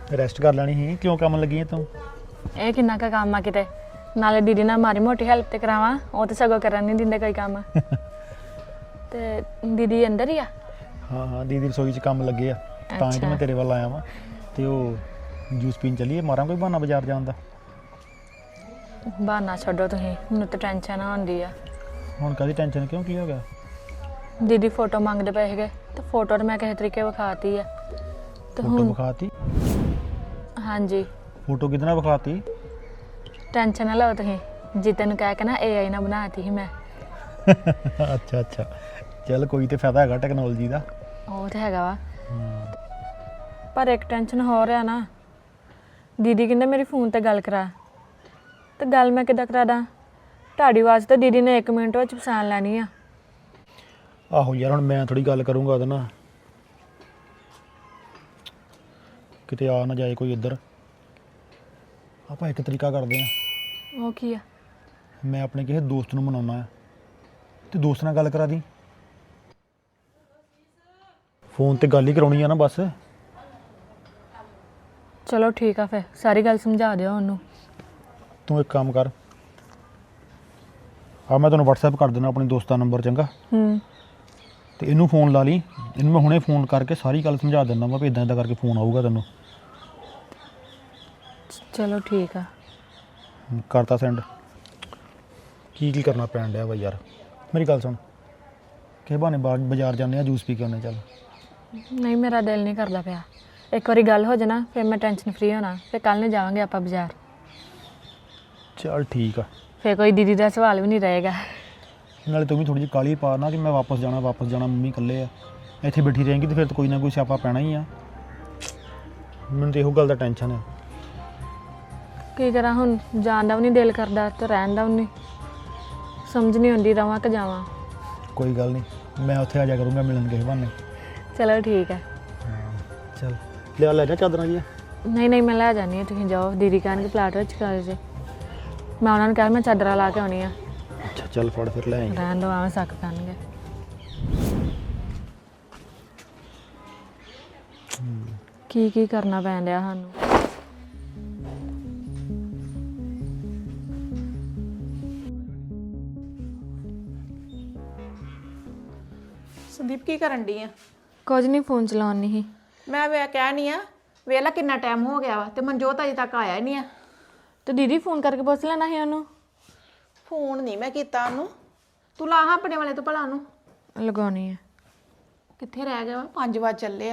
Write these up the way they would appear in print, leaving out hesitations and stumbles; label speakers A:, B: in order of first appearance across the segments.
A: Rest ਕਰ ਲੈਣੀ ਸੀ। ਕਿਉਂ ਕੰਮ ਲੱਗੀ ਹੈ ਤੂੰ?
B: ਇਹ ਕਿੰਨਾ ਕੁ ਕੰਮ ਆ ਕਿਤੇ। ਨਾਲੇ ਦੀਦੀ ਨਾਲ ਮਾੜੀ ਮੋਟੀ ਹੈਲਪ ਤੇ ਕਰਾਵਾਂ, ਉਹ ਤੇ ਸਗੋਂ ਕਰਨ ਨਹੀਂ ਦਿੰਦੇ ਕੋਈ ਕੰਮ। ਤੇ ਦੀਦੀ ਅੰਦਰ ਹੀ ਆ?
A: ਹਾਂ ਹਾਂ, ਦੀਦੀ ਰਸੋਈ 'ਚ ਕੰਮ ਲੱਗੇ ਆ, ਤਾਂ ਹੀ ਤਾਂ ਮੈਂ ਤੇਰੇ ਵੱਲ ਆਇਆ ਵਾਂ। ਤੇ ਉਹ ਜੂਸ ਪੀਣ ਚੱਲੀਏ, ਮਾਰਾਂ ਕੋਈ ਬਹਾਨਾ ਬਾਜ਼ਾਰ ਜਾਣ ਦਾ।
B: ਬਹਾਨਾ ਛੱਡੋ ਤੁਸੀਂ, ਮੈਨੂੰ ਤਾਂ ਟੈਨਸ਼ਨ ਆਉਂਦੀ ਆ।
A: ਹੁਣ ਕਾਹਦੀ ਟੈਨਸ਼ਨ? ਕਿਉਂ, ਕੀ ਹੋ ਗਿਆ?
B: ਦੀਦੀ ਫੋਟੋ ਮੰਗਦੇ ਪਏ ਸੀਗੇ ਤੇ ਫੋਟੋ ਤਾਂ ਮੈਂ ਕਿਸੇ ਤਰੀਕੇ ਵਿਖਾਤੀ ਆ। ਤੇ
A: ਫੋਟੋ ਵਿਖਾਤੀ?
B: ਹਾਂਜੀ।
A: ਫੋਟੋ ਕਿਹਦੇ ਨਾਲ ਵਿਖਾਤੀ?
B: ਟੈਨਸ਼ਨ ਨਾ ਲਓ ਤੁਸੀਂ, ਜੀਤੇ ਨੂੰ ਕਹਿ ਕੇ ਨਾ AI ਨਾਲ ਬਣਾਤੀ ਸੀ ਮੈਂ।
A: ਅੱਛਾ ਅੱਛਾ, ਚੱਲ ਕੋਈ ਤੇ ਫਾਇਦਾ ਹੈਗਾ ਟੈਕਨੋਲੋਜੀ ਦਾ।
B: ਉਹ ਤਾਂ ਹੈਗਾ ਵਾ, ਪਰ ਇੱਕ ਟੈਨਸ਼ਨ ਹੋ ਰਿਹਾ ਨਾ। ਦੀਦੀ ਕਹਿੰਦੇ ਮੇਰੀ ਫੋਨ ਤੇ ਗੱਲ ਕਰਾ, ਤੇ ਗੱਲ ਮੈਂ ਕਿੱਦਾਂ ਕਰਾ ਦਾਂ? ਤੁਹਾਡੀ ਆਵਾਜ਼ ਤਾਂ ਦੀਦੀ ਨੇ 1 ਮਿੰਟ ਵਿੱਚ ਪਛਾਣ ਲੈਣੀ ਆ।
A: ਆਹੋ ਯਾਰ, ਹੁਣ ਮੈਂ ਥੋੜੀ ਗੱਲ ਕਰੂੰਗਾ ਉਹਦੇ ਨਾਲ, ਕਿਤੇ ਆ ਨਾ ਜਾਏ ਕੋਈ ਇੱਧਰ। ਆਪਾਂ ਇੱਕ ਤਰੀਕਾ ਕਰਦੇ ਹਾਂ।
B: ਉਹ ਕੀ ਆ?
A: ਮੈਂ ਆਪਣੇ ਕਿਸੇ ਦੋਸਤ ਨੂੰ ਮਨਾਉਣਾ ਹੈ, ਤੇ ਦੋਸਤ ਨਾਲ ਗੱਲ ਕਰਾ ਦੀ। ਫੋਨ ਤੇ ਗੱਲ ਹੀ ਕਰਾਉਣੀ ਆ ਨਾ ਬਸ।
B: ਚਲੋ ਠੀਕ ਆ, ਫਿਰ ਸਾਰੀ ਗੱਲ ਸਮਝਾ ਦਿਓ ਉਹਨੂੰ।
A: ਤੂੰ ਇੱਕ ਕੰਮ ਕਰ, ਆ ਮੈਂ ਤੈਨੂੰ WhatsApp ਕਰ ਦੇਣਾ ਆਪਣੀ ਦੋਸਤ ਦਾ ਨੰਬਰ, ਚੰਗਾ? ਤੇ ਇਹਨੂੰ ਫੋਨ ਲਾ ਲਈ, ਇਹਨੂੰ ਮੈਂ ਹੁਣੇ ਫੋਨ ਕਰਕੇ ਸਾਰੀ ਗੱਲ ਸਮਝਾ ਦਿੰਦਾ ਵਾ ਵੀ ਇਦਾਂ ਇਦਾਂ ਕਰਕੇ ਫੋਨ ਆਊਗਾ ਤੈਨੂੰ।
B: ਚਲੋ ਠੀਕ ਆ।
A: ਕਰਤਾ ਸੈਂਡ। ਕੀ ਕਰਨਾ ਪੈਣ ਡਿਆ ਵਾ ਯਾਰ? ਮੇਰੀ ਗੱਲ ਸੁਣ, ਕਿਸੇ ਬਹਾਨੇ ਬਾਜ਼ਾਰ ਜਾਂਦੇ ਆ, ਜੂਸ ਪੀ ਕੇ ਆਉਂਦੇ। ਚੱਲ।
B: ਨਹੀਂ, ਮੇਰਾ ਦਿਲ ਨਹੀਂ ਕਰਦਾ ਪਿਆ। ਇੱਕ ਵਾਰੀ ਗੱਲ ਹੋ ਜਾਣਾ ਫਿਰ ਮੈਂ ਟੈਨਸ਼ਨ ਫ੍ਰੀ ਹੋਣਾ, ਫਿਰ ਕੱਲ੍ਹ ਨੂੰ ਜਾਵਾਂਗੇ ਆਪਾਂ ਬਾਜ਼ਾਰ।
A: ਚੱਲ ਠੀਕ ਆ।
B: ਫਿਰ ਕੋਈ ਦੀਦੀ ਦਾ ਸਵਾਲ ਵੀ ਨਹੀਂ ਰਹੇਗਾ।
A: ਨਾਲੇ ਤੂੰ ਵੀ ਥੋੜੀ ਜਿਹੀ ਕਾਹਲੀ ਪਾ ਨਾ ਕਿ ਮੈਂ ਵਾਪਸ ਜਾਣਾ ਮੰਮੀ ਇਕੱਲੇ ਆ। ਇੱਥੇ ਬੈਠੀ ਰਹੇਂਗੀ ਤੇ ਫਿਰ ਤਾਂ ਕੋਈ ਨਾ ਕੋਈ ਸਿਆਪਾ ਪੈਣਾ ਹੀ ਆ। ਮੈਨੂੰ ਤਾਂ ਇਹੋ ਗੱਲ ਦਾ ਟੈਨਸ਼ਨ ਹੈ।
B: ਕੀ ਕਰਾਂ ਹੁਣ, ਜਾਣ ਦਾ ਵੀ ਨਹੀਂ ਦਿਲ ਕਰਦਾ ਤੇ ਰਹਿਣ ਦਾ ਵੀ ਨਹੀਂ, ਸਮਝ ਨਹੀਂ ਆਉਂਦੀ ਰਵਾਂ ਕਿ ਜਾਵਾਂ।
A: ਕੋਈ ਗੱਲ ਨਹੀਂ, ਮੈਂ ਉੱਥੇ ਆ ਜਾ ਕਰੂੰਗਾ ਮਿਲਣ ਕਿਸੇ ਬਹਾਨੇ।
B: ਚਲੋ ਠੀਕ ਹੈ।
A: ਚੱਲ ਲੈ ਜਾ ਚਾਦਰਾਂ ਜੀ।
B: ਨਹੀਂ ਮੈਂ ਲੈ ਜਾਂਦੀ ਹਾਂ, ਤੁਸੀਂ ਜਾਓ। ਦੀਦੀ ਕਹਿਣਗੇ ਪਲਾਟ ਵਿੱਚ ਕਰ ਜੇ, ਮੈਂ ਉਹਨਾਂ ਨੂੰ ਕਿਹਾ ਮੈਂ ਚਾਦਰਾਂ ਲਾ ਕੇ ਆਉਣੀ ਆ।
A: ਅੱਛਾ ਚੱਲ ਫੜ ਫਿਰ ਲੈ ਆਈ।
B: ਰਹਿਣ ਦੋ, ਆਵੇਂ ਸੱਕ ਕਰਨਗੇ। ਕੀ ਕਰਨਾ ਪੈਣ ਡਿਆ ਸਾਨੂੰ।
C: ਸੰਦੀਪ ਕੀ ਕਰਨ ਡਈ ਆ?
B: ਕੁਝ ਨਹੀਂ, ਫੋਨ ਚਲਾਉਣੀ ਸੀ।
C: ਮੈਂ ਵੇ ਕਹਿਣੀ ਆ, ਵੇਲਾ ਕਿੰਨਾ ਟਾਈਮ ਹੋ ਗਿਆ ਵਾ ਤੇ ਮਨਜੋਤ ਅਜੇ ਤੱਕ ਆਇਆ ਹੀ ਨਹੀਂ ਆ।
B: ਤੇ ਦੀਦੀ ਫੋਨ ਕਰਕੇ ਪੁੱਛ ਲੈਣਾ ਸੀ ਉਹਨੂੰ।
C: ਫੋਨ ਨਹੀਂ ਮੈਂ ਕੀਤਾ ਉਹਨੂੰ, ਤੂੰ ਲਾ ਹਾਂ ਆਪਣੇ ਵਾਲੇ ਤੋਂ ਭਲਾ ਉਹਨੂੰ।
B: ਲਗਾਉਣੀ ਹੈ।
C: ਕਿੱਥੇ ਰਹਿ ਗਿਆ ਵਾ? 5 ਵਜੇ ਚੱਲੇ ਆ।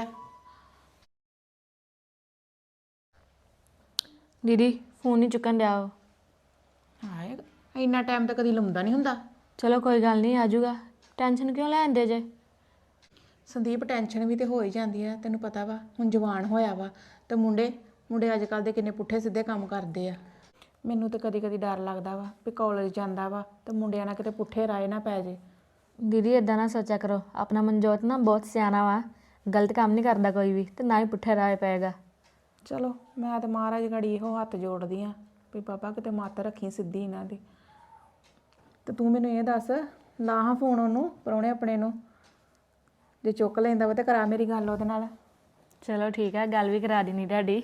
B: ਦੀਦੀ ਫੋਨ ਨਹੀਂ ਚੁੱਕਣ ਡਿਆ ਉਹ।
C: ਹਾਏ, ਇੰਨਾ ਟਾਈਮ ਤਾਂ ਕਦੀ ਲਾਉਂਦਾ ਨਹੀਂ ਹੁੰਦਾ।
B: ਚਲੋ ਕੋਈ ਗੱਲ ਨਹੀਂ, ਆ ਜਾਊਗਾ। ਟੈਨਸ਼ਨ ਕਿਉਂ ਲੈਂਦੇ ਜੇ?
C: ਸੰਦੀਪ ਟੈਨਸ਼ਨ ਵੀ ਤੇ ਹੋ ਹੀ ਜਾਂਦੀ ਆ, ਤੈਨੂੰ ਪਤਾ ਵਾ ਹੁਣ ਜਵਾਨ ਹੋਇਆ ਵਾ ਤੇ ਮੁੰਡੇ ਅੱਜ ਕੱਲ੍ਹ ਦੇ ਕਿੰਨੇ ਪੁੱਠੇ ਸਿੱਧੇ ਕੰਮ ਕਰਦੇ ਆ। ਮੈਨੂੰ ਤਾਂ ਕਦੀ ਕਦੀ ਡਰ ਲੱਗਦਾ ਵਾ ਵੀ ਕਾਲਜ ਜਾਂਦਾ ਵਾ ਤੇ ਮੁੰਡਿਆਂ ਨਾਲ ਕਿਤੇ ਪੁੱਠੇ ਰਾਏ ਨਾ ਪੈ ਜੇ।
B: ਦੀਦੀ ਇਦਾਂ ਨਾ ਸੋਚਿਆ ਕਰੋ, ਆਪਣਾ ਮਨਜੋਤ ਨਾ ਬਹੁਤ ਸਿਆਣਾ ਵਾ, ਗਲਤ ਕੰਮ ਨਹੀਂ ਕਰਦਾ ਕੋਈ ਵੀ, ਤੇ ਨਾ ਹੀ ਪੁੱਠੇ ਰਾਏ ਪਏਗਾ।
C: ਚਲੋ ਮੈਂ ਤਾਂ ਮਹਾਰਾਜ ਘੜੀ ਇਹੋ ਹੱਥ ਜੋੜਦੀ ਆ ਵੀ ਬਾਬਾ ਕਿਤੇ ਮੱਤ ਰੱਖੀ ਸਿੱਧੀ ਇਹਨਾਂ ਦੀ। ਤੇ ਤੂੰ ਮੈਨੂੰ ਇਹ ਦੱਸ, ਲਾ ਹਾਂ ਫੋਨ ਉਹਨੂੰ, ਪ੍ਰਾਹੁਣੇ ਆਪਣੇ ਨੂੰ। ਜੇ ਚੁੱਕ ਲੈਂਦਾ ਵਾ ਤੇ ਕਰਾ ਮੇਰੀ ਗੱਲ ਉਹਦੇ ਨਾਲ।
B: ਚਲੋ ਠੀਕ ਹੈ, ਗੱਲ ਵੀ ਕਰਾ ਦੇਣੀ ਤੁਹਾਡੀ।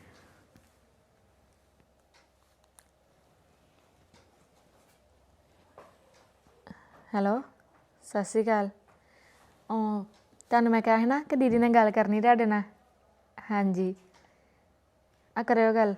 B: ਹੈਲੋ, ਸਤਿ ਸ਼੍ਰੀ ਅਕਾਲ। ਤੁਹਾਨੂੰ ਮੈਂ ਕਿਹਾ ਸੀ ਨਾ ਕਿ ਦੀਦੀ ਨੇ ਗੱਲ ਕਰਨੀ ਤੁਹਾਡੇ ਨਾਲ। ਹਾਂਜੀ, ਆ ਕਰਿਓ ਗੱਲ।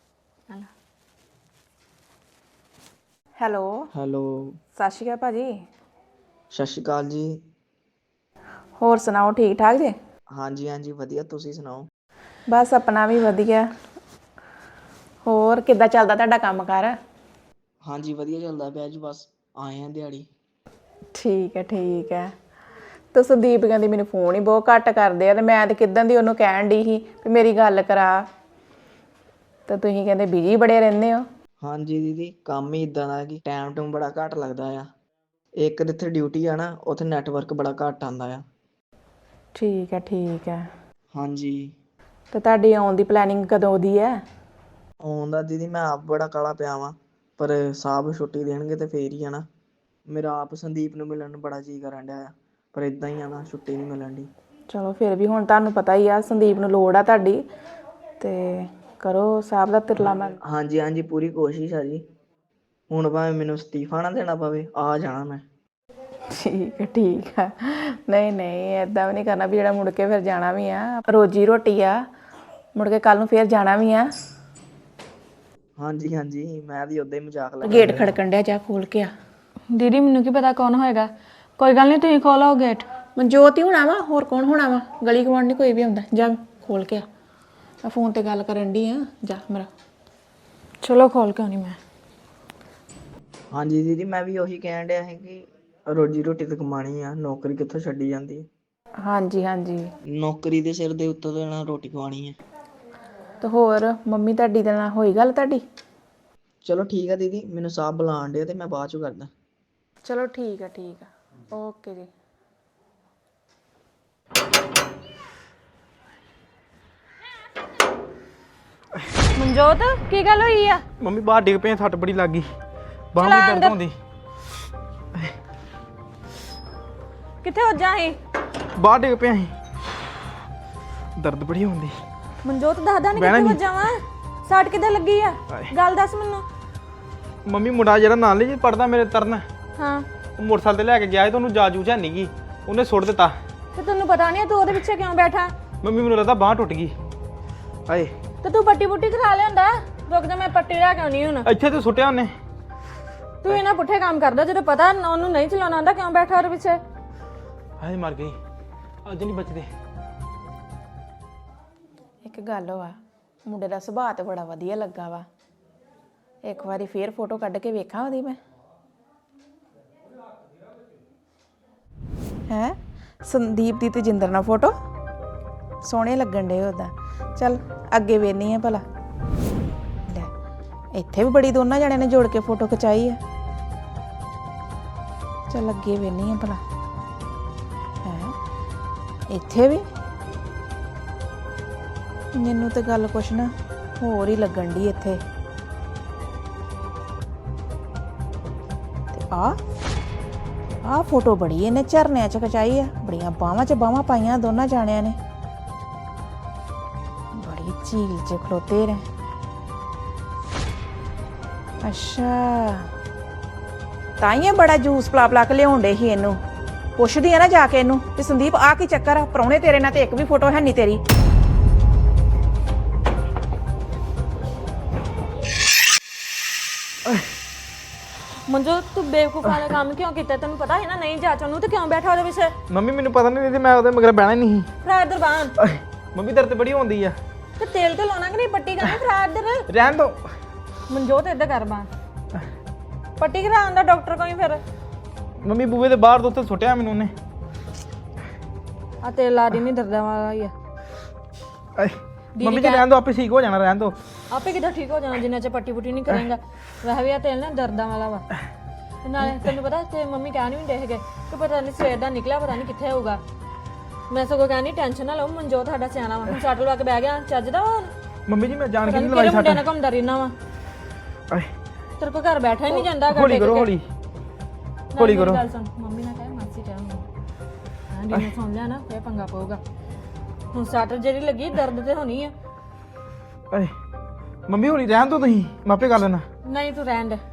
C: ਹੈਲੋ। ਸਤਿ ਸ਼੍ਰੀ ਅਕਾਲ ਭਾਜੀ।
D: ਸਤਿ ਸ਼੍ਰੀ ਅਕਾਲ ਜੀ।
C: ਹੋਰ ਸੁਣਾਓ, ਠੀਕ ਠਾਕ ਜੇ?
D: ਹਾਂਜੀ ਵਧੀਆ, ਤੁਸੀਂ ਸੁਣਾਓ?
C: ਬਸ ਆਪਣਾ ਵੀ ਵਧੀਆ। ਹੋਰ ਕਿੱਦਾਂ ਚੱਲਦਾ ਤੁਹਾਡਾ ਕੰਮ ਕਾਰ?
D: ਹਾਂਜੀ ਵਧੀਆ ਚੱਲਦਾ ਪਿਆ ਜੀ, ਬਸ ਆਏ ਆ ਦਿਹਾੜੀ।
C: ਠੀਕ ਹੈ। ਤੇ ਸੰਦੀਪ ਕਹਿੰਦੀ ਮੈਨੂੰ ਫੋਨ ਹੀ ਬਹੁਤ ਘੱਟ ਕਰਦੇ ਆ, ਤੇ ਮੈਂ ਤੇ ਕਿੱਦਾਂ ਦੀ ਉਹਨੂੰ ਕਹਿਣ ਡਈ ਸੀ ਵੀ ਮੇਰੀ ਗੱਲ ਕਰਾ, ਤੇ ਤੁਸੀਂ ਕਹਿੰਦੇ ਬਿਜੀ ਬੜੇ ਰਹਿੰਦੇ ਹੋ।
D: ਹਾਂਜੀ ਦੀਦੀ, ਕੰਮ ਹੀ ਇਦਾਂ ਦਾ ਕਿ ਟਾਈਮ ਬੜਾ ਘੱਟ ਲੱਗਦਾ ਆ। ਇੱਕ ਜਿੱਥੇ ਡਿਊਟੀ ਆ ਨਾ, ਉੱਥੇ ਨੈਟਵਰਕ ਬੜਾ ਘੱਟ ਆਉਂਦਾ ਆ।
C: ਠੀਕ ਹੈ।
D: ਹਾਂਜੀ।
C: ਤੇ ਤੁਹਾਡੀ ਆਉਣ ਦੀ ਪਲੈਨਿੰਗ ਕਦੋਂ ਦੀ ਹੈ?
D: ਆਉਣ ਦਾ ਦੀਦੀ ਮੈਂ ਆਪ ਬੜਾ ਕਾਹਲਾ ਪਿਆ ਵਾਂ, ਪਰ ਸਾਹਿਬ ਛੁੱਟੀ ਦੇਣਗੇ ਤੇ ਫੇਰ ਹੀ ਆ ਨਾ। ਮੇਰਾ ਆਪ ਸੰਦੀਪ ਨੂੰ ਮਿਲਣ ਨੂੰ ਬੜਾ ਜੀਅ ਕਰਨ ਡਿਆ ਆ, ਪਰ ਇਦਾਂ ਹੀ ਆ ਨਾ, ਛੁੱਟੀ ਨਹੀਂ ਮਿਲਣ ਦੀ।
C: ਚਲੋ ਫਿਰ ਵੀ ਹੁਣ ਤੁਹਾਨੂੰ ਪਤਾ ਹੀ ਆ ਸੰਦੀਪ ਨੂੰ ਲੋੜ ਆ ਤੁਹਾਡੀ, ਤੇ ਕਰੋ ਸਾਹਿਬ ਦਾ ਤਿਰਲਾ ਮੈਂ
D: ਹਾਂਜੀ ਹਾਂਜੀ ਪੂਰੀ ਕੋਸ਼ਿਸ਼ ਆ ਜੀ। ਹੁਣ ਭਾਵੇਂ ਮੈਨੂੰ ਅਸਤੀਫਾ ਨਾ ਦੇਣਾ ਪਵੇ, ਆ ਜਾਣਾ ਮੈਂ।
C: ਠੀਕ ਆ। ਨਹੀਂ ਨਹੀਂ ਏਦਾਂ ਵੀ ਨਹੀਂ ਕਰਨਾ ਵੀ ਜਿਹੜਾ ਮੁੜ ਕੇ ਫਿਰ ਜਾਣਾ ਵੀ ਆ, ਰੋਜੀ ਰੋਟੀ ਆ, ਮੁੜ ਕੇ ਕੱਲ ਨੂੰ ਫਿਰ ਜਾਣਾ ਵੀ ਆ।
D: ਹਾਂਜੀ ਹਾਂਜੀ ਮੈਂ ਵੀ ਉਦਾਂ ਹੀ ਮਜ਼ਾਕ ਲੱਗਾ।
C: ਗੇਟ ਖੜਕਣ ਡਿਆ, ਜਾ ਖੋਲ ਕੇ ਆ।
B: ਦੀਦੀ ਮੈਨੂੰ ਕੀ ਪਤਾ ਕੌਣ ਹੋਏਗਾ, ਕੋਈ ਗੱਲ ਨਹੀਂ ਤੁਸੀਂ ਖੋਲੋ ਗੇਟ।
C: ਮਨਜੋਤ ਹੀ ਹੋਣਾ ਵਾ, ਹੋਰ ਕੌਣ ਹੋਣਾ ਵਾ, ਗਲੀ ਗਵਾਂਢ ਨਹੀਂ ਕੋਈ ਵੀ ਹੁੰਦਾ। ਜਾ ਖੋਲ ਕੇ ਆ, ਮੈਂ ਫੋਨ ਤੇ ਗੱਲ ਕਰਨ ਡਈ ਆ, ਜਾ ਮੇਰਾ।
B: ਚਲੋ ਖੋਲ ਕੇ ਆਉਣੀ ਮੈਂ।
D: ਹਾਂਜੀ ਦੀਦੀ ਮੈਂ ਵੀ ਉਹੀ ਕਹਿਣ ਡਿਆ ਸੀ ਕਿ ਰੋਜੀ ਰੋਟੀ ਤਾਂ ਕਮਾਣੀ ਆ, ਨੌਕਰੀ ਕਿੱਥੋਂ ਛੱਡੀ ਜਾਂਦੀ ਹੈ।
C: ਹਾਂਜੀ ਹਾਂਜੀ।
D: ਨੌਕਰੀ ਦੇ ਸਿਰ ਦੇ ਉੱਤੋਂ ਦੇ ਨਾਲ ਰੋਟੀ ਖਵਾਣੀ ਹੈ।
C: ਤੇ ਹੋਰ ਮੰਮੀ ਤੁਹਾਡੀ ਦੇ ਨਾਲ ਹੋਈ ਗੱਲ ਤੁਹਾਡੀ?
D: ਚਲੋ ਠੀਕ ਆ ਦੀਦੀ, ਮੈਨੂੰ ਸਾਹਿਬ ਬੁਲਾਉਣ ਡਿਆ ਤੇ ਮੈਂ ਬਾਅਦ ਚੋਂ ਕਰਦਾ।
C: ਚਲੋ ਠੀਕ ਆ ਓਕੇ ਜੀ।
B: ਮਨਜੋਤ ਕੀ ਗੱਲ ਹੋਈ ਆ?
A: ਮੰਮੀ ਬਾਹਰ ਡਿੱਗ ਪਏ, ਸੱਟ ਬੜੀ ਲੱਗ ਗਈ, ਬਾਹਾਂ ਵੀ ਦਰਦ ਹੁੰਦੀ।
B: ਕਿੱਥੇ ਹੋ ਜਾਹੀਂ?
A: ਬਾਹਰ ਡਿੱਗ ਪਿਆ ਸੀ, ਦਰਦ ਬੜੀ ਹੁੰਦੀ।
B: ਮਨਜੋਤ ਦੱਸਦਾ ਨਹੀਂ ਕਿੱਥੇ ਵੱਜਾਂ? ਸੱਟ ਕਿੱਦਾਂ ਲੱਗੀ ਆ? ਗੱਲ ਦੱਸ ਮੈਨੂੰ।
A: ਮੰਮੀ ਮੁੰਡਾ ਜਿਹੜਾ ਨਾਲ ਲਈ ਪੜਦਾ ਮੇਰੇ ਤਰਨ,
B: ਹਾਂ
A: ਉਹ ਮੋਟਰਸਾਈਕਲ ਤੇ ਲੈ ਕੇ ਗਿਆ ਸੀ ਤੇ ਉਹਨੂੰ ਜਾਜੂ ਹੈ ਨਹੀਂ ਗਈ, ਉਹਨੇ ਸੁੱਟ ਦਿੱਤਾ।
B: ਤੇ ਤੈਨੂੰ ਪਤਾ ਨਹੀਂ ਤੂੰ ਉਹਦੇ ਪਿੱਛੇ ਕਿਉਂ ਬੈਠਾ?
A: ਮੰਮੀ ਮੈਨੂੰ ਲੱਗਦਾ ਬਾਂਹ ਟੁੱਟ ਗਈ। ਆਏ
B: ਤੇ ਤੂੰ ਪੱਟੀ ਪੁੱਟੀ ਕਰਾ ਲਿਆਂਦਾ। ਰੁਕ ਜਾ ਮੈਂ ਪੱਟੀ ਲੈ ਕੇ ਆਉਣੀ ਹੁਣ।
A: ਇੱਥੇ ਤੇ ਸੁੱਟਿਆ ਉਹਨੇ।
B: ਤੂੰ ਇਹਨਾਂ ਪੁੱਠੇ ਕੰਮ ਕਰਦਾ, ਜਦੋਂ ਪਤਾ ਉਹਨੂੰ ਨਹੀਂ ਚਲਾਉਣਾ ਆਉਂਦਾ, ਕਿਉਂ ਬੈਠਾ ਉਹਦੇ ਪਿੱਛੇ?
A: ਹਾਏ ਮਰ ਗਈ, ਅੱਜ ਨਹੀਂ ਬਚਦੇ।
C: ਇੱਕ ਗੱਲ ਵਾ, ਮੁੰਡੇ ਦਾ ਸੁਭਾਅ ਤੇ ਬੜਾ ਵਧੀਆ ਲੱਗਾ ਵਾ। ਇੱਕ ਵਾਰੀ ਫੇਰ ਫੋਟੋ ਕੱਢ ਕੇ ਵੇਖਾਂ ਉਹਦੀ ਮੈਂ। ਹੈ ਸੰਦੀਪ ਦੀ ਤੇ ਜਿੰਦਰ ਨਾਲ ਫੋਟੋ ਸੋਹਣੇ ਲੱਗਣ ਡੇ ਉਹਦਾ। ਚੱਲ ਅੱਗੇ ਵੇਖਨੀ ਆ ਭਲਾ। ਲੈ ਇੱਥੇ ਵੀ ਬੜੀ ਦੋਨਾਂ ਜਣਿਆਂ ਨੇ ਜੋੜ ਕੇ ਫੋਟੋ ਖਿਚਾਈ ਆ। ਚੱਲ ਅੱਗੇ ਵੇਖਨੀ ਆ ਭਲਾ। ਹੈ ਇੱਥੇ ਵੀ ਮੈਨੂੰ ਤੇ ਗੱਲ ਕੁਛ ਨਾ ਹੋਰ ਹੀ ਲੱਗਣ ਦੀ ਇੱਥੇ। ਤੇ ਆ ਫੋਟੋ ਬੜੀ ਇਹਨੇ ਝਰਨਿਆਂ 'ਚ ਖਿਚਾਈ ਆ, ਬੜੀਆਂ ਬਾਹਾਂ 'ਚ ਬਾਹਾਂ ਪਾਈਆਂ ਦੋਨਾਂ ਜਾਣਿਆਂ ਨੇ, ਬੜੀ ਝੀਲ 'ਚ ਖਲੋਤੇ ਨੇ। ਅੱਛਾ ਤਾਈਏ ਬੜਾ ਜੂਸ ਪਲਾ ਕੇ ਲਿਆਉਂਦੇ ਸੀ ਇਹਨੂੰ। ਪੁੱਛਦੀ ਆ ਨਾ ਜਾ ਕੇ ਇਹਨੂੰ ਕਿ ਸੰਦੀਪ ਆ ਕੀ ਚੱਕਰ ਆ, ਪ੍ਰਾਹੁਣੇ ਤੇਰੇ ਨਾਲ ਤੇ ਇੱਕ ਵੀ ਫੋਟੋ ਹੈ ਨਹੀਂ ਤੇਰੀ।
B: ਮਨਜੋਤ ਤੂੰ ਬੇਵਕੂਫ ਵਾਲਾ ਕੰਮ ਕਿਉਂ ਕੀਤਾ? ਤੈਨੂੰ ਪਤਾ ਹੈ ਨਾ ਨਹੀਂ ਜਾਚ ਉਹਨੂੰ, ਤੇ ਕਿਉਂ ਬੈਠਾ ਉਹਦੇ ਪਿੱਛੇ?
A: ਮੰਮੀ ਮੈਨੂੰ ਪਤਾ ਨਹੀਂ ਸੀ, ਮੈਂ ਉਹਦੇ ਮਗਰ ਬਹਿਣਾ ਨਹੀਂ ਸੀ।
B: ਫਰਾ ਇੱਧਰ ਬਾਹਰ।
A: ਮੰਮੀ ਦਰਦ ਬੜੀ ਹੁੰਦੀ ਆ।
B: ਤੇ ਤੇਲ ਤੇ ਲਾਉਣਾ ਕਿ ਨਹੀਂ? ਪੱਟੀ ਕਰਨੀ ਫਰਾ ਇੱਧਰ।
A: ਰਹਿਣ ਦੋ।
B: ਮਨਜੋਤ ਇੱਧਰ ਕਰ ਬਾਹਰ, ਪੱਟੀ ਕਰਾਉਣ ਦਾ ਡਾਕਟਰ ਕੋਈ ਫਿਰ।
A: ਮੰਮੀ ਬੂਹੇ ਦੇ ਬਾਹਰ ਤੋਂ ਉੱਥੇ ਸੁੱਟਿਆ ਮੈਨੂੰ ਉਹਨੇ।
B: ਆ ਤੇਲ ਲਾ ਦੀ, ਨਹੀਂ ਦਰਦਾਂ ਵਾਲਾ ਹੀ ਆ।
A: ਮੰਮੀ ਜੀ ਰਹਿਣ ਦੋ, ਆਪੇ ਠੀਕ ਹੋ ਜਾਣਾ, ਰਹਿਣ ਦੋ।
B: ਆਪੇ ਕਿੱਦਾਂ ਠੀਕ ਹੋ ਜਾਣਾ ਜਿੰਨਾ ਚ ਪੱਟੀ ਪੁੱਟੀ ਨਹੀਂ ਕਰੇਗਾ। ਵੈਸੇ ਵੀ ਆ ਤੇਲ ਨਾ ਦਰਦਾਂ ਵਾਲਾ ਵਾ। ਤੇ ਨਾਲੇ ਤੈਨੂੰ ਪਤਾ ਤੇ ਮੰਮੀ ਕਹਿਣ ਵੀ ਨਹੀਂ ਹੈਗੇ ਕਿ ਪਤਾ ਨਹੀਂ ਸਵੇਰ ਦਾ ਨਿਕਲਿਆ, ਪਤਾ ਨਹੀਂ ਕਿੱਥੇ ਹੋਊਗਾ। ਮੈਂ ਸਗੋਂ ਕਹਿੰਦੀ ਟੈਨਸ਼ਨ ਨਾ ਲਓ, ਮਨਜੋਤ ਸਾਡਾ ਸਿਆਣਾ ਵਾ। ਹੁਣ ਸੱਟ ਲਾ ਕੇ ਬਹਿ ਗਿਆ, ਚੱਜਦਾ ਵਾ ਹੁਣ।
A: ਮੰਮੀ ਜੀ ਮੈਂ ਜਾਣ ਕੇ ਨਹੀਂ
B: ਕਿਹੜੇ
A: ਲਵਾਈ
B: ਮੁੰਡਿਆਂ ਨਾਲ ਘੁੰਮਦਾ ਰਹਿਣਾ ਵਾ? ਤੇਰੇ ਕੋਲ ਘਰ ਬੈਠਾ ਹੀ ਨਹੀਂ ਜਾਂਦਾ।
A: ਹੌਲੀ ਕਰੋ, ਹੌਲੀ ਹੌਲੀ ਕਰੋ।
B: ਗੱਲ ਸੁਣ, ਮੰਮੀ ਨਾਲ ਕਹਿ ਮਾਸੀ ਕਹਿ ਹਾਂ ਜੀ, ਸੁਣ ਲਿਆ ਨਾ ਫੇਰ ਪੰਗਾ ਪਊਗਾ। ਹੁਣ ਸੱਟ ਜਿਹੜੀ ਲੱਗੀ ਦਰਦ ਤੇ ਹੋਣੀ ਆ।
A: ਏ ਮੰਮੀ ਹੌਲੀ ਰਹਿਣ ਦੋ, ਤੁਸੀਂ ਮਾਪੇ ਕਰ ਲੈਣਾ।
B: ਨਹੀਂ ਤੂੰ ਰਹਿਣ ਦੇ।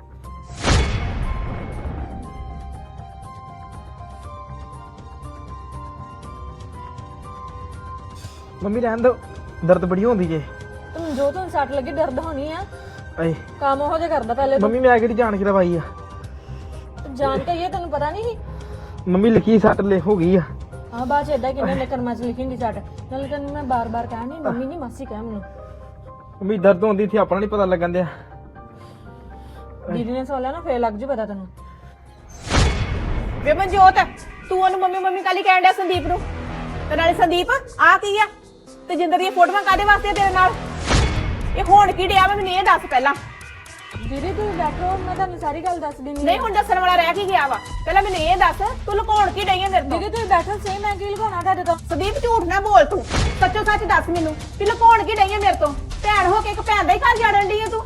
A: ਮੰਮੀ ਰਹਿਣ ਦੋ, ਦਰਦ ਬੜੀ ਹੁੰਦੀ ਜੇ।
B: ਤੂੰ ਜੋ ਤੂੰ ਸੱਟ ਲੱਗੀ ਦਰਦ ਹੋਣੀ ਆ।
A: ਏ
B: ਕੰਮ ਉਹੋ ਜਿਹਾ ਕਰਦਾ ਪਹਿਲੇ ਤੂੰ।
A: ਮੰਮੀ ਮੈਂ ਕਿਹੜੀ ਜਾਣ ਕੇ ਲਵਾਈ ਆ?
B: ਜਾਣ ਕੇ ਇਹ ਤੈਨੂੰ ਪਤਾ ਨਹੀਂ?
A: ਮੰਮੀ ਲਿਖੀ ਸੱਟ ਲੈ ਹੋ ਗਈ ਆ।
B: ਹਾਂ ਬਾਅਦ ਚ ਏਦਾਂ ਕਿੰਨੇ ਨੇ ਕਰਮਾਂ ਚ ਲਿਖੀ ਹੁੰਦੀ ਸੱਟ। ਨਾਲੇ ਤੈਨੂੰ ਮੈਂ ਬਾਰ-ਬਾਰ ਕਹਿਣੀ ਮੰਮੀ ਨਹੀਂ ਮਾਸੀ ਕਹਿ ਮੈਨੂੰ।
A: ਮੰਮੀ ਦਰਦ ਹੁੰਦੀ ਸੀ, ਆਪਣਾ ਨਹੀਂ ਪਤਾ ਲੱਗਣ ਦਿਆ।
B: ਦੀਦੀ ਨੇ ਸੋਲਿਆ ਨਾ ਫੇਰ ਲੱਗ ਜੂ ਪਤਾ ਤੈਨੂੰ।
C: ਵੇ ਮਨਜੋਤ ਤੂੰ ਉਹਨੂੰ ਮੰਮੀ ਕਾਲੀ ਕਹਿਣ ਡਿਆ ਸੰਦੀਪ ਨੂੰ? ਤੇ ਨਾਲੇ ਸੰਦੀਪ ਆ ਕੀ ਆ ਤੇ ਜਿੰਦਰ ਦੀਆਂ ਫੋਟੋਆਂ ਕਾਦੇ ਵਾਸਤੇ ਤੇਰੇ ਨਾਲ? ਇਹ ਹੋਣ ਕੀ ਡਿਆ ਵਾ ਮੈਨੂੰ ਇਹ ਦੱਸ ਪਹਿਲਾਂ।
B: ਦੀਦੀ ਤੂੰ ਬੈਠੋ, ਮੈਂ ਤੁਹਾਨੂੰ ਸਾਰੀ ਗੱਲ ਦੱਸ ਦਿੰਦੀ।
C: ਨਹੀਂ ਹੁਣ ਦੱਸਣ ਵਾਲਾ ਰਹਿ ਕੀ ਗਿਆ ਵਾ? ਪਹਿਲਾਂ ਮੈਨੂੰ ਇਹ ਦੱਸ ਤੂੰ ਲੁਕਾਉਣ ਕੀ ਡਈ ਆ ਮੇਰੇ ਤੋਂ?
B: ਦੀਦੀ ਤੂੰ ਬੈਠੋ ਸਹੀ, ਮੈਂ ਕੀ ਲਗਾਉਣਾ ਤੁਹਾਡੇ ਤੋਂ?
C: ਸੰਦੀਪ ਝੂਠ ਨਾ ਬੋਲ, ਤੂੰ ਸੱਚੋ ਸੱਚ ਦੱਸ ਮੈਨੂੰ ਕਿ ਲੁਕਾਉਣ ਕੀ ਡਈ ਆ ਮੇਰੇ ਤੋਂ? ਭੈਣ ਹੋ ਕੇ ਇੱਕ ਭੈਣ ਦਾ ਹੀ ਘਰ ਜਾੜਨ ਡਈ ਆ ਤੂੰ।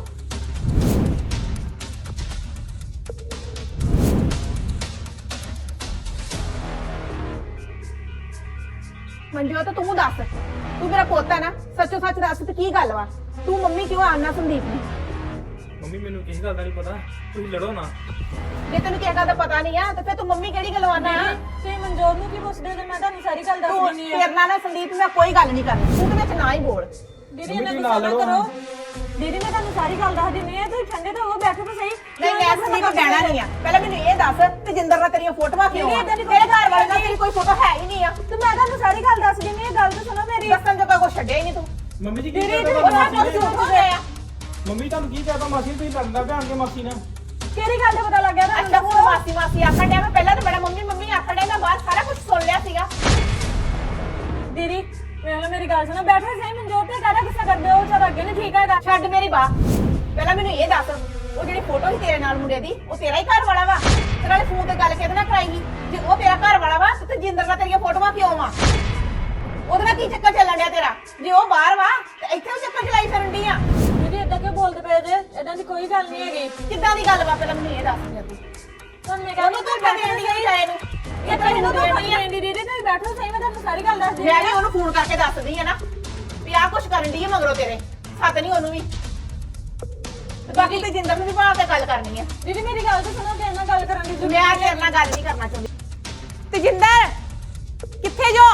C: ਮਨਜੋਤ ਤੂੰ ਦੱਸ ਤੂੰ ਮੇਰਾ ਪੋਤਾ ਨਾ, ਸੱਚੋ ਸੱਚ ਦੱਸ ਤੇ ਕੀ ਗੱਲ ਵਾ? ਤੂੰ ਮੰਮੀ ਕਿਉਂ ਆਣਾ ਸੰਦੀਪ ਨੂੰ?
E: ਮੰਮੀ ਮੈਨੂੰ ਕਿਸੇ ਗੱਲ ਦਾ ਨਹੀਂ ਪਤਾ, ਤੁਸੀਂ ਲੜੋ ਨਾ।
C: ਜੇ ਤੈਨੂੰ ਕਿਸੇ ਗੱਲ ਦਾ ਪਤਾ ਨਹੀਂ ਆ ਤੇ ਫਿਰ ਤੂੰ ਮੰਮੀ ਕਿਹੜੀ ਗੱਲੋਂ ਆਣਾ ਆ?
B: ਤੁਸੀਂ ਮਨਜੋਤ ਨੂੰ ਕੀ ਪੁੱਛਦੇ ਜੇ ਮੈਂ ਤੁਹਾਨੂੰ ਸਾਰੀ ਗੱਲ ਦੱਸ
C: ਤੂੰ
B: ਦਿੰਨੀ ਆ।
C: ਤੇਰੇ ਨਾਲ ਨਾ ਸੰਦੀਪ ਮੈਂ ਕੋਈ ਗੱਲ ਨਹੀਂ ਕਰਨੀ, ਤੂੰ ਤੇ ਵਿੱਚ ਨਾ ਹੀ ਬੋਲ।
B: ਦੀਦੀ
E: ਮੰਮੀ
B: ਇਹਨਾਂ
E: ਤੁਸੀਂ
B: ਨੂੰ
E: ਨਾਲ
B: ਸਬਰ
E: ਲੜੋ
B: ਕਰੋ।
E: ਨਾ।
B: ਦੀਦੀ ਮੈਂ ਤੁਹਾਨੂੰ ਸਾਰੀ ਗੱਲ ਦੱਸ ਦਿੰਨੀ ਆ, ਤੁਸੀਂ ਠੰਡੇ ਤੋਂ ਹੋ, ਬੈਠੋ ਤਾਂ ਸਹੀ।
C: ਨਹੀਂ ਮੈਂ ਸੰਦੀਪ ਬਹਿਣਾ ਨਹੀਂ ਆ। ਪਹਿਲਾਂ ਮੈਨੂੰ ਇਹ ਦੱਸ ਤੇਜਿੰਦਰ ਨਾਲ ਤੇਰੀਆਂ ਫੋਟੋਆਂ ਕਿਉਂ ਆ? ਤੇਰੇ ਘਰ ਵਾਲੇ ਨਾਲ ਤੇਰੀ ਕੋਈ ਫੋਟੋ ਹੈ ਹੀ ਨਹੀਂ ਆ।
B: ਤੇ ਮੈਂ ਤੁਹਾਨੂੰ ਸਾਰੀ ਗੱਲ ਦੱਸ ਦਿੰਨੀ ਆ, ਗੱਲ ਤਾਂ ਸੁਣੋ ਮੇਰੀ।
C: ਦੱਸਣ ਜੋਗਾ ਕੁਛ ਛੱਡਿਆ ਹੀ ਨਹੀਂ ਤੂੰ।
E: ਮੰਮੀ ਜੀ ਕੀ
B: ਦੀਦੀ,
E: ਕਰਦਾ
C: ਉਹ
E: ਮਾਸੀ
C: ਸਭ
E: ਨੇ?
C: ਕੁਝ ਝੂਠ ਹੋ ਗਿਆ ਆ।
E: ਮੰਮੀ ਤੁਹਾਨੂੰ ਕੀ ਕਹਤਾ ਮਾਸੀ ਨੇ? ਤੁਸੀਂ ਲੜਦਾ ਪਿਆ ਆਣ ਕੇ ਮਾਸੀ ਨਾਲ।
B: ਕਿਹੜੀ ਗੱਲ ਦਾ ਪਤਾ ਲੱਗ ਗਿਆ ਤੁਹਾਨੂੰ?
C: ਅੱਛਾ ਹੁਣ ਮਾਸੀ ਮਾਸੀ ਆਖਣ ਡਿਆ। ਮੈਂ ਪਹਿਲਾਂ ਤਾਂ ਬੜਾ ਮੰਮੀ ਮੰਮੀ ਆਖਣ ਡਿਆ, ਮੈਂ ਬਾਹਰ ਸਾਰਾ ਕੁਝ ਸੁਣ ਲਿਆ ਸੀਗਾ।
B: ਦੀਦੀ ਵੇਖ ਮੇਰੀ ਗੱਲ ਸੁਣੋ, ਬੈਠੋ ਸਹੀ। ਮਨਜੋਤ ਤੇ ਕਾਹਦਾ ਗੁੱਸਾ ਕਰਦੇ ਹੋ? ਵਿਚਾਰਾ ਅੱਗੇ ਨਹੀਂ ਠੀਕ ਹੈਗਾ।
C: ਛੱਡ ਮੇਰੀ ਬਾਹ। ਪਹਿਲਾਂ ਮੈਨੂੰ ਇਹ ਦੱਸ, ਉਹ ਜਿਹੜੀ ਫੋਟੋ ਸੀ ਤੇਰੇ ਨਾਲ ਮੁੰਡੇ ਦੀ, ਉਹ ਤੇਰਾ ਹੀ ਘਰ ਵਾਲਾ ਵਾ? ਤੇ ਨਾਲੇ ਫੋਨ ਤੇ ਗੱਲ ਕਿਹਦੇ ਨਾਲ ਕਰਾਈ? ਜੇ ਉਹ ਤੇਰਾ ਘਰ ਵਾਲਾ ਵਾ ਤੇ ਜਿੰਦਰ ਨਾਲ ਤੇਰੀਆਂ ਫੋਟੋਆਂ ਕਿਉਂ ਵਾ? ਉਹਦੇ ਨਾਲ ਕੀ ਚੱਕਰ ਚੱਲਣ ਡਿਆ ਤੇਰਾ? ਜੇ ਉਹ ਬਾਹਰ ਵਾ ਤੇ ਇੱਥੇ ਉਹ ਚੱਕਰ ਚਲਾਈ ਫਿਰਨ ਡਈ ਆ।
B: ਦੀਦੀ ਏਦਾਂ ਕਿਉਂ ਬੋਲਦੇ ਪਏ ਜੇ? ਏਦਾਂ ਦੀ ਕੋਈ ਗੱਲ ਨਹੀਂ ਹੈਗੀ।
C: ਕਿੱਦਾਂ ਦੀ ਗੱਲ ਵਾ? ਪਹਿਲਾਂ ਮੈਨੂੰ ਇਹ ਦੱਸ ਦੇ ਤੂੰ।
B: ਤੁਹਾਨੂੰ ਮੈਂ
C: ਉਹਨੂੰ
B: ਕਹਿੰਦੀ
C: ਤੂੰ ਠੰਡੀ ਨਹੀਂ ਜਾਏ ਨੂੰ।
B: ਇਹ ਤਾਂ ਇਹਨੂੰ ਤਾਂ ਫੋਨ ਕਰਦੀ ਦੀਦੀ, ਤੁਸੀਂ ਬੈਠੋ ਸਹੀ। ਮੈਂ ਤੁਹਾਨੂੰ ਸਾਰੀ ਗੱਲ ਦੱਸ ਦਿੰਦੀ
C: ਮੈਂ ਵੀ ਉਹਨੂੰ ਫੋਨ ਕਰਕੇ ਦੱਸਦੀ ਆ ਨਾ ਵੀ ਆਹ ਕੁਛ ਕਰਨ ਡਈ ਆ ਮਗਰੋਂ ਤੇਰੇ। ਸੱਤ ਨਹੀਂ ਉਹਨੂੰ ਵੀ। ਤੇ ਬਾਕੀ ਤੇ ਜਿੰਦਰ ਨੂੰ ਵੀ ਬਾਹਰ ਤੇ ਗੱਲ ਕਰਨੀ ਆ।
B: ਦੀਦੀ ਮੇਰੀ ਗੱਲ ਤਾਂ ਸੁਣੋ, ਤੇਰੇ ਨਾਲ ਗੱਲ ਕਰਨ ਦੀ ਜ਼ਰੂਰਤ
C: ਮੈਂ ਤੇਰੇ ਨਾਲ ਗੱਲ ਨਹੀਂ ਕਰਨਾ ਚਾਹੁੰਦੀ। ਤੇ ਜਿੰਦਰ ਕਿੱਥੇ ਜੋ?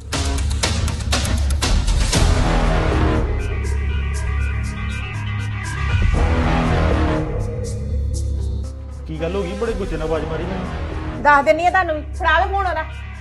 A: ਕੀ ਗੱਲ ਹੋ ਗਈ? ਬੜੇ ਗੁੱਸੇ ਨਾਲ ਆਵਾਜ਼ ਮਾਰੀ ਮੈਨੂੰ।
C: ਦੱਸ ਦਿੰਨੀ ਆ ਤੁਹਾਨੂੰ ਵੀ। ਫੜਾ ਵੇ ਫੋਨ ਉਹਦਾ।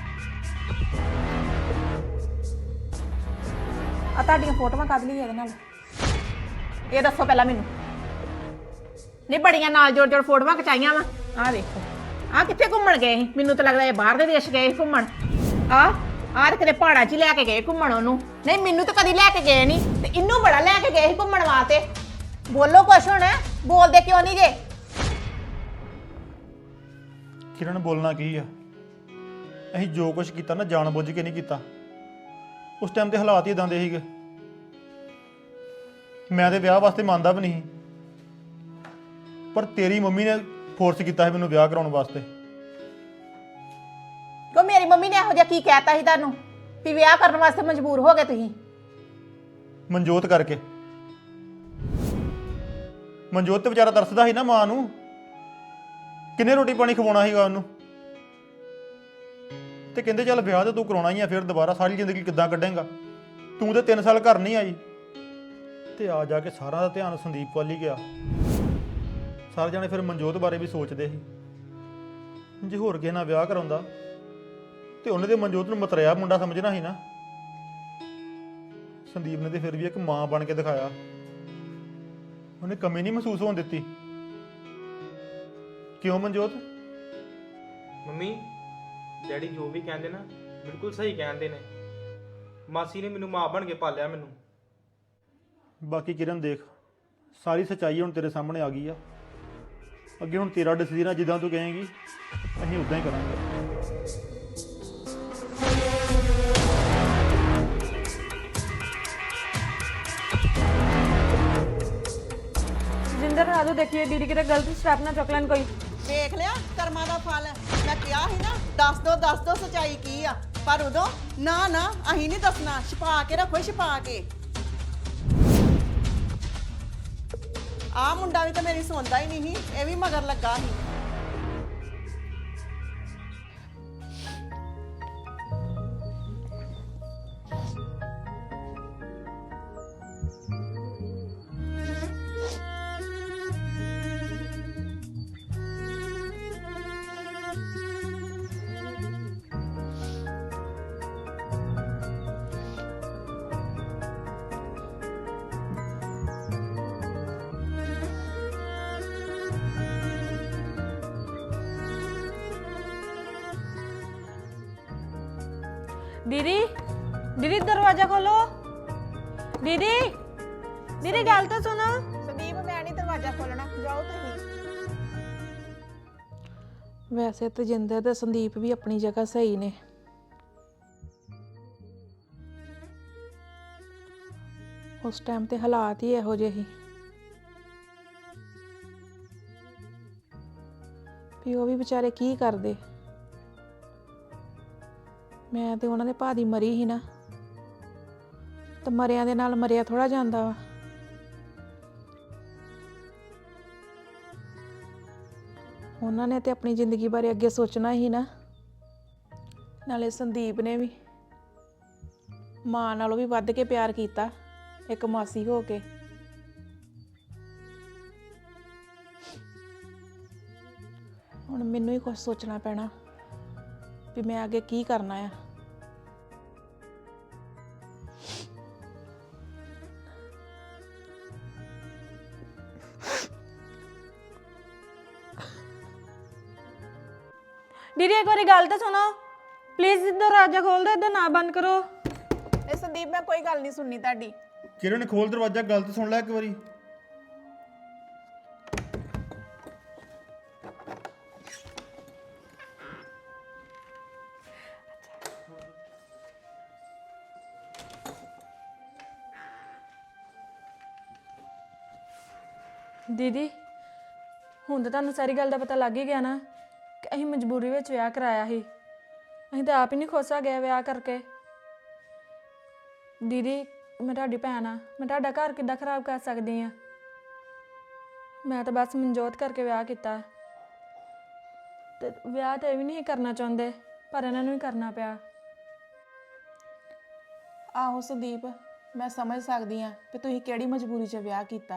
C: ਆ ਤੁਹਾਡੀਆਂ ਫੋਟੋਆਂ ਕੱਢ ਲਈ ਇਹਦੇ ਨਾਲ। ਇਹ ਦੱਸੋ ਪਹਿਲਾਂ ਮੈਨੂੰ। ਨਹੀਂ ਬੜੀਆਂ ਨਾਲ ਜੋੜ ਜੋੜ ਫੋਟੋਆਂ ਖਚਾਈਆਂ ਵਾ। ਆਹ ਵੇਖੋ, ਆਹ ਕਿੱਥੇ ਘੁੰਮਣ ਗਏ ਸੀ? ਮੈਨੂੰ ਤਾਂ ਲੱਗਦਾ ਇਹ ਬਾਹਰ ਦੇ ਦੇਸ਼ ਗਏ ਸੀ ਘੁੰਮਣ। ਆਹ ਤੇ ਕਿਤੇ ਪਹਾੜਾਂ 'ਚ ਹੀ ਲੈ ਕੇ ਗਏ ਘੁੰਮਣ ਉਹਨੂੰ। ਨਹੀਂ ਮੈਨੂੰ ਤਾਂ ਕਦੀ ਲੈ ਕੇ ਗਏ ਨਹੀਂ, ਤੇ ਇਹਨੂੰ ਬੜਾ ਲੈ ਕੇ ਗਏ ਸੀ ਘੁੰਮਣ ਵਾਸਤੇ। ਬੋਲੋ ਕੁਛ ਹੁਣ। ਬੋਲਦੇ ਕਿਉਂ ਨਹੀਂ ਜੇ?
A: ਕਿਰਨ ਬੋਲਣਾ ਕੀ ਆ? ਅਸੀਂ ਜੋ ਕੁਝ ਕੀਤਾ ਨਾ ਜਾਣ ਬੁੱਝ ਕੇ ਨਹੀਂ ਕੀਤਾ। ਉਸ ਟਾਈਮ ਤੇ ਹਾਲਾਤ ਹੀ ਇਦਾਂ ਦੇ ਸੀਗੇ। ਮੈਂ ਤੇ ਵਿਆਹ ਵਾਸਤੇ ਮੰਨਦਾ ਵੀ ਨਹੀਂ, ਪਰ ਤੇਰੀ ਮੰਮੀ ਨੇ ਫੋਰਸ ਕੀਤਾ ਸੀ ਮੈਨੂੰ ਵਿਆਹ ਕਰਾਉਣ ਵਾਸਤੇ।
C: ਕਿਉਂ ਮੇਰੀ ਮੰਮੀ ਨੇ ਇਹੋ ਜਿਹਾ ਕੀ ਕਹਿਤਾ ਸੀ ਤੁਹਾਨੂੰ ਵੀ ਵਿਆਹ ਕਰਨ ਵਾਸਤੇ ਮਜਬੂਰ ਹੋ ਗਏ ਤੁਸੀਂ?
A: ਮਨਜੋਤ ਕਰਕੇ। ਮਨਜੋਤ ਤੇ ਵਿਚਾਰਾ ਤਰਸਦਾ ਸੀ ਨਾ ਮਾਂ ਨੂੰ। ਕਿੰਨੇ ਰੋਟੀ ਪਾਣੀ ਖਵਾਉਣਾ ਸੀਗਾ ਉਹਨੂੰ। ਤੇ ਕਹਿੰਦੇ ਚੱਲ ਵਿਆਹ ਤੇ ਤੂੰ ਕਰਾਉਣਾ ਹੀ ਆ, ਫਿਰ ਦੁਬਾਰਾ ਸਾਰੀ ਜ਼ਿੰਦਗੀ ਕਿੱਦਾਂ ਕੱਢੇਂਗਾ? ਤੂੰ ਤੇ 3 ਸਾਲ ਘਰ ਨਹੀਂ ਆਈ। ਤੇ ਆ ਜਾ ਕੇ ਸਾਰਾ ਦਾ ਧਿਆਨ ਸੰਦੀਪ ਵੱਲ ਹੀ ਗਿਆ। ਸਾਰੇ ਜਾਣੇ ਫਿਰ ਮਨਜੋਤ ਬਾਰੇ ਵੀ ਸੋਚਦੇ ਸੀ ਜੇ ਹੋਰ ਕਿਸੇ ਨਾਲ ਵਿਆਹ ਕਰਾਉਂਦਾ ਤੇ ਉਹਨੇ ਤੇ ਮਨਜੋਤ ਨੂੰ ਮਤਰਿਆ ਮੁੰਡਾ ਸਮਝਣਾ ਸੀ ਨਾ। ਸੰਦੀਪ ਨੇ ਤੇ ਫਿਰ ਵੀ ਇੱਕ ਮਾਂ ਬਣ ਕੇ ਦਿਖਾਇਆ। ਉਹਨੇ ਕਮੀ ਨਹੀਂ ਮਹਿਸੂਸ ਹੋਣ ਦਿੱਤੀ। ਕਿਉਂ ਮਨਜੋਤ?
E: ਮੰਮੀ ਡੈਡੀ ਜੋ ਵੀ ਕਹਿੰਦੇ ਨਾ ਬਿਲਕੁਲ ਸਹੀ ਕਹਿੰਦੇ ਨੇ। ਮਾਸੀ ਨੇ ਮੈਨੂੰ ਮਾਂ ਬਣ ਕੇ ਪਾਲਿਆ ਮੈਨੂੰ।
A: ਬਾਕੀ ਕਿਰਨ ਦੇਖ, ਸਾਰੀ ਸੱਚਾਈ ਹੁਣ ਤੇਰੇ ਸਾਹਮਣੇ ਆ ਗਈ ਆ। ਅੱਗੇ ਹੁਣ ਤੇਰਾ ਡਿਸੀਜਨ ਆ, ਜਿੱਦਾਂ ਤੂੰ ਕਹੇਂਗੀ ਅਸੀਂ ਉਦਾਂ ਹੀ ਕਰਾਂਗੇ।
B: ਜਿੰਦਰ ਆਜੋ ਦੇਖੀਏ ਦੀਦੀ ਕਿਤੇ ਗਲਤ ਸਟੈਪ ਨਾ ਚੁੱਕ ਲੈਣ ਕੋਈ।
F: ਵੇਖ ਲਿਆ ਕਰਮਾਂ ਦਾ ਫਲ। ਮੈਂ ਕਿਹਾ ਸੀ ਨਾ ਦੱਸ ਦੋ ਸਚਾਈ ਕੀ ਆ, ਪਰ ਉਦੋਂ ਨਾ ਅਸੀਂ ਨਹੀਂ ਦੱਸਣਾ। ਛੁਪਾ ਕੇ ਰੱਖੋ, ਛੁਪਾ ਕੇ। ਆਹ ਮੁੰਡਾ ਵੀ ਤਾਂ ਮੇਰੀ ਸੁਣਦਾ ਹੀ ਨਹੀਂ ਸੀ, ਇਹ ਵੀ ਮਗਰ ਲੱਗਾ ਸੀ।
B: ਦੀਦੀ ਦੀਦੀ ਦਰਵਾਜ਼ਾ ਖੋਲੋ। ਦੀਦੀ ਦੀਦੀ ਗੱਲ ਤਾਂ ਸੁਣੋ।
C: ਸੰਦੀਪ ਮੈਂ ਨਹੀਂ ਦਰਵਾਜ਼ਾ ਖੋਲਣਾ, ਜਾਓ ਤੁਸੀਂ। ਵੈਸੇ ਤੇਜਿੰਦਰ ਤੇ ਸੰਦੀਪ ਵੀ ਆਪਣੀ ਜਗ੍ਹਾ ਸਹੀ ਨੇ। ਉਸ ਟਾਈਮ ਤੇ ਹਾਲਾਤ ਹੀ ਇਹੋ ਜਿਹੇ ਸੀ ਵੀ ਉਹ ਵੀ ਵਿਚਾਰੇ ਕੀ ਕਰਦੇ। ਮੈਂ ਤੇ ਉਹਨਾਂ ਦੇ ਭਾ ਦੀ ਮਰੀ ਸੀ ਨਾ, ਤੇ ਮਰਿਆਂ ਦੇ ਨਾਲ ਮਰਿਆ ਥੋੜਾ ਜਾਂਦਾ ਵਾ। ਉਹਨਾਂ ਨੇ ਤੇ ਆਪਣੀ ਜ਼ਿੰਦਗੀ ਬਾਰੇ ਅੱਗੇ ਸੋਚਣਾ ਹੀ ਨਾ। ਨਾਲੇ ਸੰਦੀਪ ਨੇ ਵੀ ਮਾਂ ਨਾਲੋਂ ਵੀ ਵੱਧ ਕੇ ਪਿਆਰ ਕੀਤਾ ਇੱਕ ਮਾਸੀ ਹੋ ਕੇ। ਹੁਣ ਮੈਨੂੰ ਹੀ ਕੁਝ ਸੋਚਣਾ ਪੈਣਾ ਵੀ ਮੈਂ ਅੱਗੇ ਕੀ ਕਰਨਾ ਆ।
B: ਦੀਦੀ ਇੱਕ ਵਾਰੀ ਗੱਲ ਤਾਂ ਸੁਣੋ ਪਲੀਜ਼, ਦਰਵਾਜ਼ਾ ਖੋਲ ਦਿਓ, ਇੱਧਰ ਨਾ ਬੰਦ ਕਰੋ।
C: ਇਹ ਸੰਦੀਪ ਮੈਂ ਕੋਈ ਗੱਲ ਨਹੀਂ ਸੁਣਨੀ ਤੁਹਾਡੀ।
A: ਕਿਰਨ ਖੋਲ ਦਰਵਾਜ਼ਾ, ਗੱਲ ਤਾਂ ਸੁਣ ਲੈ ਇੱਕ ਵਾਰੀ।
B: ਦੀਦੀ ਹੁਣ ਤਾਂ ਤੁਹਾਨੂੰ ਸਾਰੀ ਗੱਲ ਦਾ ਪਤਾ ਲੱਗ ਹੀ ਗਿਆ ਨਾ ਕਿ ਅਸੀਂ ਮਜਬੂਰੀ ਵਿੱਚ ਵਿਆਹ ਕਰਾਇਆ ਸੀ। ਅਸੀਂ ਤਾਂ ਆਪ ਹੀ ਨਹੀਂ ਖੁਸ਼ ਗਿਆ ਵਿਆਹ ਕਰਕੇ। ਦੀਦੀ ਮੈਂ ਤੁਹਾਡੀ ਭੈਣ ਆ, ਮੈਂ ਤੁਹਾਡਾ ਘਰ ਕਿੱਦਾਂ ਖਰਾਬ ਕਰ ਸਕਦੀ ਆ? ਮੈਂ ਤਾਂ ਬਸ ਮਨਜੋਤ ਕਰਕੇ ਵਿਆਹ ਕੀਤਾ ਤੇ ਵਿਆਹ ਤਾਂ ਇਹ ਵੀ ਨਹੀਂ ਕਰਨਾ ਚਾਹੁੰਦੇ, ਪਰ ਇਹਨਾਂ ਨੂੰ ਹੀ ਕਰਨਾ ਪਿਆ।
C: ਆਹੋ ਸੰਦੀਪ, ਮੈਂ ਸਮਝ ਸਕਦੀ ਆ ਕਿ ਤੁਸੀਂ ਕਿਹੜੀ ਮਜਬੂਰੀ 'ਚ ਵਿਆਹ ਕੀਤਾ।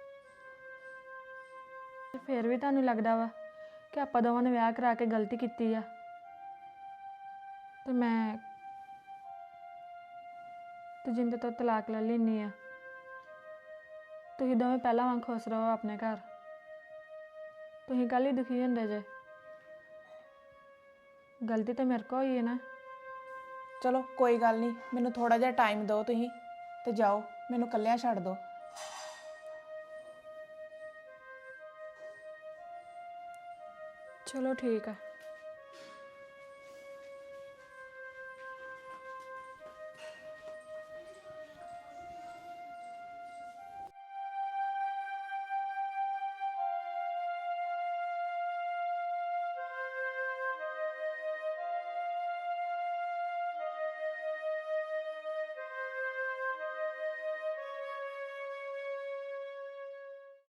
B: ਤੇ ਫਿਰ ਵੀ ਤੁਹਾਨੂੰ ਲੱਗਦਾ ਵਾ ਕਿ ਆਪਾਂ ਦੋਵਾਂ ਨੇ ਵਿਆਹ ਕਰਾ ਕੇ ਗਲਤੀ ਕੀਤੀ ਆ। ਤੇ ਮੈਂ ਜਿੰਦੇ ਤੋਂ ਤਲਾਕ ਲੈ ਲੈਣੀ ਆ। ਤੁਸੀਂ ਦੋਵੇਂ ਪਹਿਲਾਂ ਵਾਂਗ ਖੁਸ਼ ਰਹੋ ਆਪਣੇ ਘਰ। ਤੁਸੀਂ ਕੱਲ ਹੀ ਦੁਖੀ ਹੁੰਦੇ ਜੇ। ਗਲਤੀ ਤਾਂ ਮੇਰੇ ਕੋਲ ਹੋਈ ਹੈ ਨਾ।
C: ਚਲੋ ਕੋਈ ਗੱਲ ਨਹੀਂ, ਮੈਨੂੰ ਥੋੜਾ ਜਿਹਾ ਟਾਈਮ ਦਿਓ ਤੁਸੀਂ ਤੇ ਜਾਓ, ਮੈਨੂੰ ਇਕੱਲਿਆਂ ਛੱਡ ਦਿਓ।
B: ਚਲੋ ਠੀਕ ਆ।